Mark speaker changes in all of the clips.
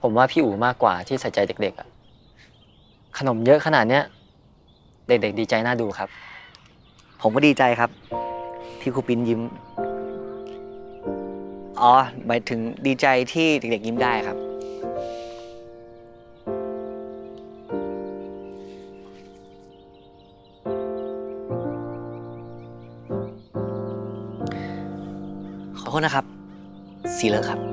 Speaker 1: ผมว่าพี่อู๋มากกว่าที่ใส่ใจเด็กๆอะขนมเยอะขนาดเนี้ยเด็กๆดีใจน่าดูครับ
Speaker 2: ผมก็ดีใจครับที่ครูปิ้นยิ้มอ๋อหมายถึงดีใจที่เด็กๆยิ้มได้ครับขอโทษนะครับสีเหลืองครับ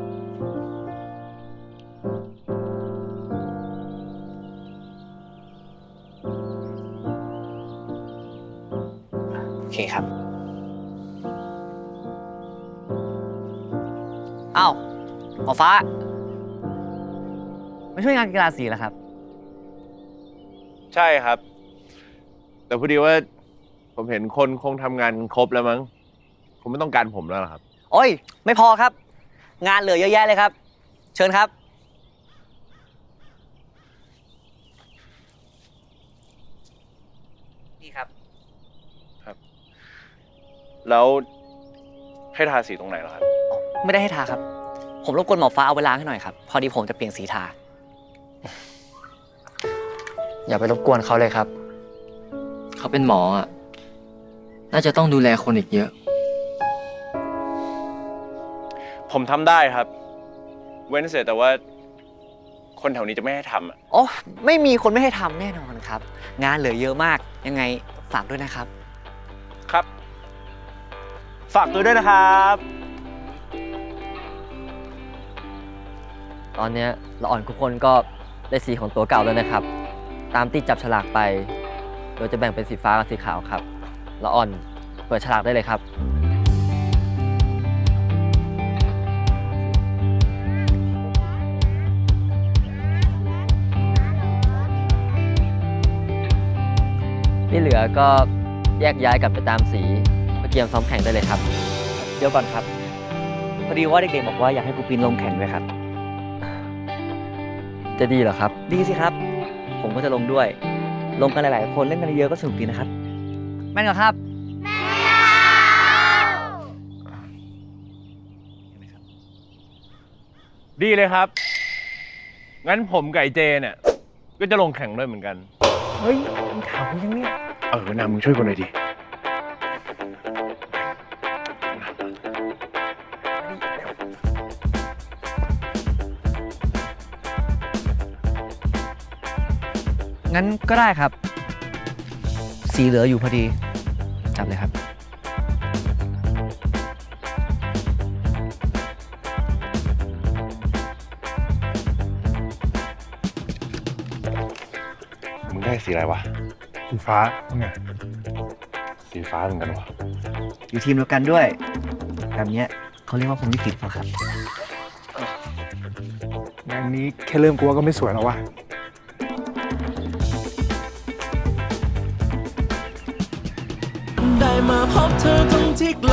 Speaker 2: โอเคครับอ้าวหมอฟ้ามาช่วยงานกีฬาสีแล้วครับ
Speaker 3: ใช่ครับ แต่พอดีว่าผมเห็นคนคงทำงานครบแล้วมั้งคงไม่ต้องการผมแล้วหรอครับ
Speaker 2: โอ้ยไม่พอครับ งานเหลือเยอะแยะเลยครับ เชิญครับนี่ครับ
Speaker 3: แล้วให้ทาสีตรงไหนเหรอครับ
Speaker 2: ไม่ได้ให้ทาครับ ผมรบกวนหมอฟ้าเอาไปล้างให้หน่อยครับ พอดีผมจะเปลี่ยนสีทา
Speaker 1: อย่าไปรบกวนเขาเลยครับ
Speaker 4: เขาเป็นหมออ่ะ น่าจะต้องดูแลคนอีกเยอะ
Speaker 3: ผมทำได้ครับ เว้นเสียแต่ว่า คนแถวนี้จะไม่ให้ทำอ่ะ
Speaker 2: โอ้ไม่มีคนไม่ให้ทำแน่นอนครับ งานเหลือเยอะมาก ยังไงฝากด้วยนะครับ
Speaker 3: ครับ ฝากตัวด้วยนะครับ
Speaker 5: ตอนนี้ละอ่อนทุกคนก็ได้สีของตัวเก่าแล้วนะครับ ตามที่จับฉลากไป โดยจะแบ่งเป็นสีฟ้ากับสีขาวครับละอ่อนเปิดฉลากได้เลยครับที่เหลือก็แยกย้ายกลับไปตามสีเพื่อเตรียมซ้อมแข่งได้เลยครับ
Speaker 2: เดี๋ยวก่อนครับ พอดีว่าเด็กๆบอกว่าอยากให้ครูปินลงแข่งด้วยครับ
Speaker 5: จะดีเหรอครับ
Speaker 2: ดีสิครับ ผมก็จะลงด้วย ลงกันหลายๆคนเล่นกันเยอะก็สนุกดีนะครับ แม่นเหรอครับ
Speaker 3: ดีเลยครับ งั้นผมกับไอ้เจเนี่ยก็จะลงแข่งด้วยเหมือนกัน
Speaker 2: เฮ้ยถามคุณยังเนี่ย
Speaker 3: นามึงช่วยคนหน่อยดิ
Speaker 2: งั้นก็ได้ครับ สีเหลืออยู่พอดี จับเลยครับ
Speaker 3: มึงได้สีอะไรวะ
Speaker 6: สีฟ้าว่าไง
Speaker 3: สีฟ้าเหมือนกันวะ
Speaker 2: อยู่ทีมเดียวกันด้วยแบบเนี้ยเขาเรียกว่าผมลิขิตเหรอครับ
Speaker 6: งานนี้แค่เริ่มกลัวก็ไม่สวยแล้ววะ
Speaker 7: ได้มาพบเธอตรงที่ไกล